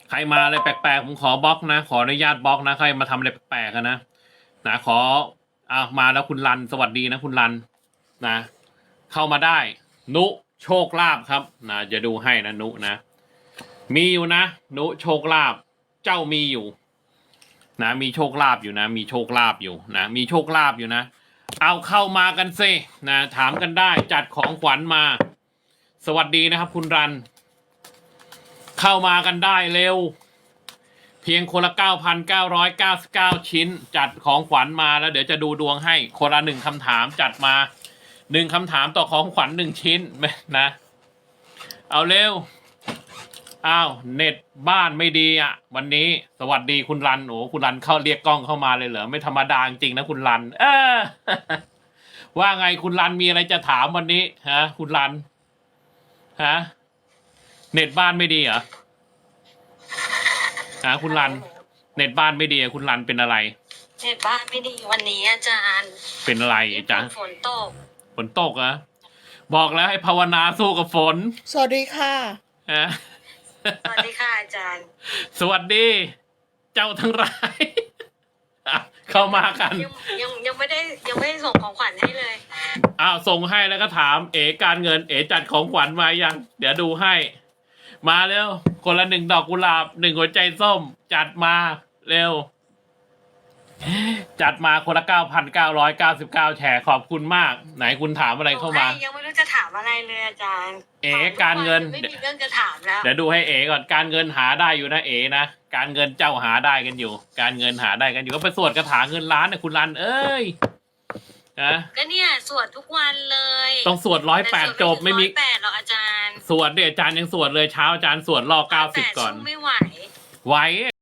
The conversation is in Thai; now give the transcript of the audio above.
ใครมาอะไรแปลกๆผมขอบล็อกนะขออนุญาตบล็อกนะใครมาทำอะไรแปลกๆนะขอมาแล้วคุณรันสวัสดีนะคุณรันนะเข้ามาได้นุโชคลาภครับนะจะดูให้นะนุนะมีอยู่นะนุโชคลาภเจ้ามีอยู่นะมีโชคลาภอยู่นะมีโชคลาภอยู่นะมีโชคลาภอยู่นะเอาเข้ามากันสินะถามกันได้จัดของขวัญมา สวัสดีนะครับคุณรันเข้ามากันได้เร็วเพียงคนละ 9,999 ชิ้นจัดของขวัญมาแล้วเดี๋ยวจะดูดวงให้คนละ1 คำถามจัดมา1 คำถามต่อของขวัญ1 ชิ้นนะเอาเร็วอ้าวเน็ตบ้านไม่ดีอ่ะวันนี้สวัสดีคุณรันโอ้คุณรันเข้าเรียกกล้องเข้ามาเลยเหรอไม่ธรรมดาจริงนะคุณรันว่าไงคุณรันมีอะไรจะถามวันนี้ฮะคุณรันฮะเน็ตบ้านไม่ดีเหรอคุณรันเน็ตบ้านไม่ดีคุณรันเป็นอะไรเน็ตบ้านไม่ดีวันนี้อาจารย์เป็นอะไรอาจารย์ฝนตกอะบอกแล้วให้ภาวนาสู้กับฝนสวัสดีค่ะสวัสดีค่ะอาจารย์สวัสดีเจ้าทั้งหลายเข้ามากันยังไม่ได้ส่งของขวัญให้เลยส่งให้แล้วก็ถามเอ๋การเงินเอ๋จัดของขวัญมายังเดี๋ยวดูให้มาเร็วคนละ1 ดอกกุหลาบ1 หัวใจส้มจัดมาเร็วจัดมาคนละ 9,999 แชร์ขอบคุณมากไหนคุณถามอะไรเข้ามายังไม่รู้จะถามอะไรเลยอาจารย์เอ๋การเงินไม่มีเรื่องจะถามแล้วเดี๋ยวดูให้เอ๋ก่อนการเงินหาได้อยู่นะเอ๋นะการเงินเจ้าหาได้กันอยู่การเงินหาได้กันอยู่ก็ไปสวดคาถาเงินล้านนะคุณรันเอ้ยก็เนี่ยสวดทุกวันเลยต้องสวด108จบไม่มี 108หรอกอาจารย์สวดเดี๋ยวอาจารย์ยังสวดเลยเช้าอาจารย์สวดรอ90ก่อนไม่ไหวไหว